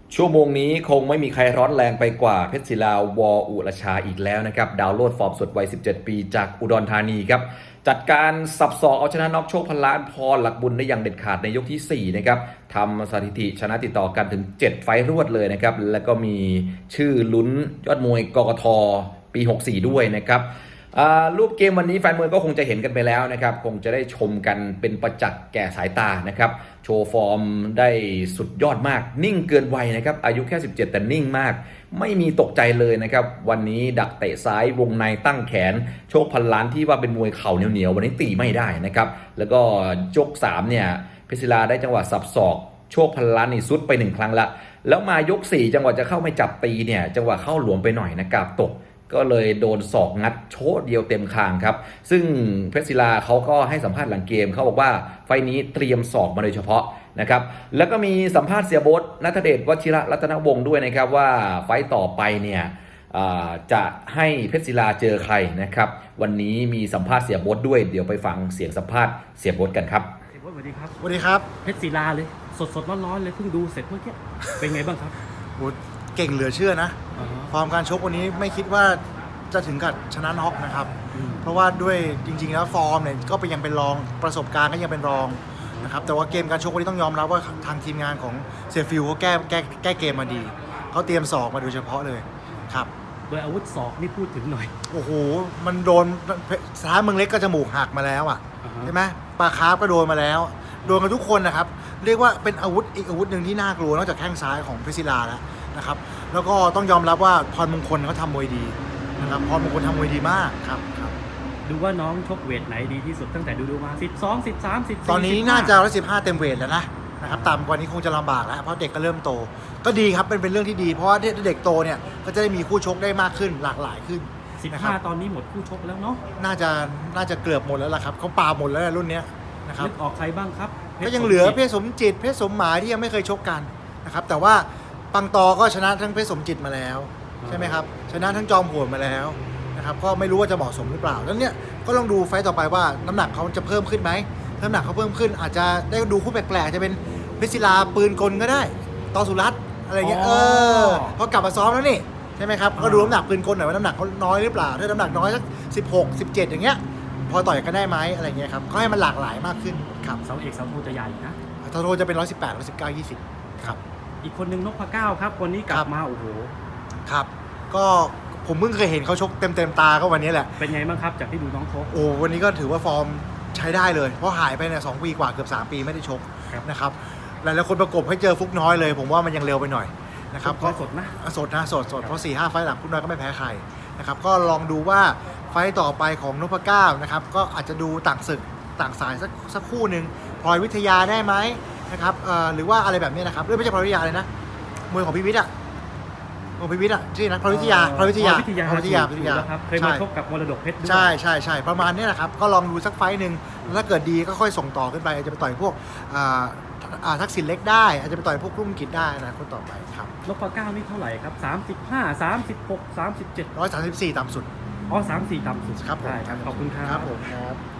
ชั่วโมงนี้คงไม่มีใครร้อนแรงไปกว่าเพชรศิลาวออุรชาอีกแล้วนะครับดาวโลดฟอร์มสดวัย 17 ปีจากอุดรธานีครับจัดการสับศอกเอาชนะน็อกโชคพันล้านพรหลักบุญได้อย่างเด็ดขาดในยกที่ 4 นะครับทำสถิติชนะติดต่อกันถึง 7 ไฟต์รวดเลยนะครับแล้วก็มีชื่อลุ้นยอดมวยกกทปี 64 ด้วยนะครับรูปเกมวันนี้แฟนมวยก็คงจะเห็นกันไปแล้วนะครับคงจะได้ชมกันเป็นประจักษ์แก่สายตานะครับโชว์ฟอร์มได้สุดยอดมากนิ่งเกินวัยนะครับอายุแค่ 17 แต่นิ่งมากไม่มีตกใจเลยนะครับวันนี้ดักเตะซ้ายวงในตั้งแขนโชคพันล้านที่ว่าเป็นมวยเข่าเหนียวๆวันนี้ตีไม่ได้นะครับแล้วก็ยก3เนี่ยเพชรศิลาได้จังหวะสับศอกโชคพันล้านนี่ซุดไป1ครั้งละแล้วมายก4จังหวะจะเข้าไม่จับตีเนี่ยจังหวะเข้าหลวมไปหน่อยนะครับตกก็เลยโดนศอกงัดโชดเดียวเต็มคางครับซึ่งเพชรศิลาเขาก็ให้สัมภาษณ์หลังเกมเขาบอกว่าไฟนี้เตรียมศอกมาโดยเฉพาะนะครับแล้วก็มีสัมภาษณ์เสียโบ๊ทณัฐเดชวชิระรัตนวงศ์ด้วยนะครับว่าไฟต่อไปเนี่ยจะให้เพชรศิลาเจอใครนะครับวันนี้มีสัมภาษณ์เสียโบ๊ทด้วยเดี๋ยวไปฟังเสียงสัมภาษณ์เสียโบ๊ทกันครับเสียโบ๊ทสวัสดีครับสวัสดีครับเพชรศิลาเลยสดร้อนๆเลยเพิ่งดูเสร็จเมื่อกี้เป็นไงบ้างครับโหเก่งเหลือเชื่อนะฟอร์มการชกวันนี้ไม่คิดว่าจะถึงกับชนะน็อกนะครับเพราะว่าด้วยจริงๆแล้วฟอร์มเนี่ยก็ยังเป็นรองประสบการณ์ก็ยังเป็นรองนะครับแต่ว่าเกมการชกวันนี้ต้องยอมรับว่าทางทีมงานของเซฟิลเขาแก้เกมมาดีเขาเตรียมศอกมาโดยเฉพาะเลยครับโดยอาวุธศอกนี่พูดถึงหน่อยโอ้โหมันโดนสถานเมืองเล็กก็จมูกหักมาแล้วอ่ะใช่ไหมปลาคาร์ฟก็โดนมาแล้วโดนกันทุกคนนะครับเรียกว่าเป็นอาวุธอีกอาวุธหนึ่งที่น่ากลัวนอกจากแข้งซ้ายของเพชรศิลาแล้วนะครับแล้วก็ต้องยอมรับว่าพรมงคลเขาทำมวยดีนะครับพรมงคลทำมวยดีมากครับดูว่าน้องชกเวทไหนดีที่สุดตั้งแต่ดูมา12 13 14 ตอนนี้น่าจะ115เต็มเวทแล้วนะครับต่ำกว่านี้คงจะลำบากแล้วเพราะเด็กก็เริ่มโตก็ดีครับเป็นเรื่องที่ดีเพราะว่าเด็กโตเนี่ยก็จะได้มีคู่ชกได้มากขึ้นหลากหลายขึ้น 15ตอนนี้หมดคู่ชกแล้วเนาะน่าจะเกือบหมดแล้วล่ะครับเขาปาหมดแล้วรุ่นนี้นะครับนึกออกใครบ้างครับก็ยังเหลือเพชรสมจิตเพชรสมหมายที่ยังไม่เคยชกกันนะครับแต่ว่าปังตอก็ชนะทั้งเพชรสมจิตมาแล้วใช่ไหมครับชนะทั้งจอมโหดมาแล้วนะครับก็ไม่รู้ว่าจะเหมาะสมหรือเปล่าแล้วเนี่ยก็ลองดูไฟต์ต่อไปว่าน้ำหนักเขาจะเพิ่มขึ้นไหมน้ำหนักเขาเพิ่มขึ้นอาจจะได้ดูคู่แปลกๆจะเป็นเพชรศิลาปืนกลก็ได้ตอสุรัตน์อะไรเงี้ยเขากลับมาซ้อมแล้วนี่ใช่ไหมครับก็ดูน้ำหนักปืนกลหน่อยว่าน้ำหนักเขาน้อยหรือเปล่าถ้าน้ำหนักน้อยสัก16 17อย่างเงี้ยพอต่อยกันได้ไหมอะไรเงี้ยครับก็ให้มันหลากหลายมากขึ้นครับเสาเอกเสาโทจะใหญ่นะเสาโทจะเป็น118 119 20ครับอีกคนนึงนพเก้าครับวันนี้กลับมาโอ้โหครับก็ผมเพิ่งเคยเห็นเขาชกเต็มตาก็วันนี้แหละเป็นไงบ้างครับจากที่ดูน้องชกโอ้วันนี้ก็ถือว่าฟอร์มใช้ได้เลยเพราะหายไปเนี่ย2 ปีกว่าเกือบ3 ปีไม่ได้ชกนะครับหลายๆคนประกบให้เจอฟุกน้อยเลยผมว่ามันยังเร็วไปหน่อยนะครับก็สดนะเพราะ 4-5 ไฟล์หลังฟุกน้อยก็ไม่แพ้ใครนะครับก็ลองดูว่าไฟล์ต่อไปของนพเก้านะครับก็อาจจะดูต่างศึกต่างสายสักคู่หนึ่งพลอยวิทยาได้ไหมนะครับหรือว่าอะไรแบบนี้นะครับไม่ใช่พลอยวิทยาเลยนะมวยของพิวิทย์ของพิวิทย์ชื่อนะพลอยวิทยาครับเคยมาชกกับมรดกเพชรด้วยใช่ประมาณนี้แหละครับก็ลองดูสักไฟล์หนึ่งถ้าเกิดดีก็ค่อยส่งต่อขึ้นไปอาจจะไปต่อยพวกทักษิณเล็กได้อาจจะไปต่อยพวกรุ่งกิจได้นะคนต่อไปครับนพเก้านี่เท่าไหร่ครับ35 36 37 134ต่ำสุด 34ต่ำสุดครับผมขอบคุณครับผมครับ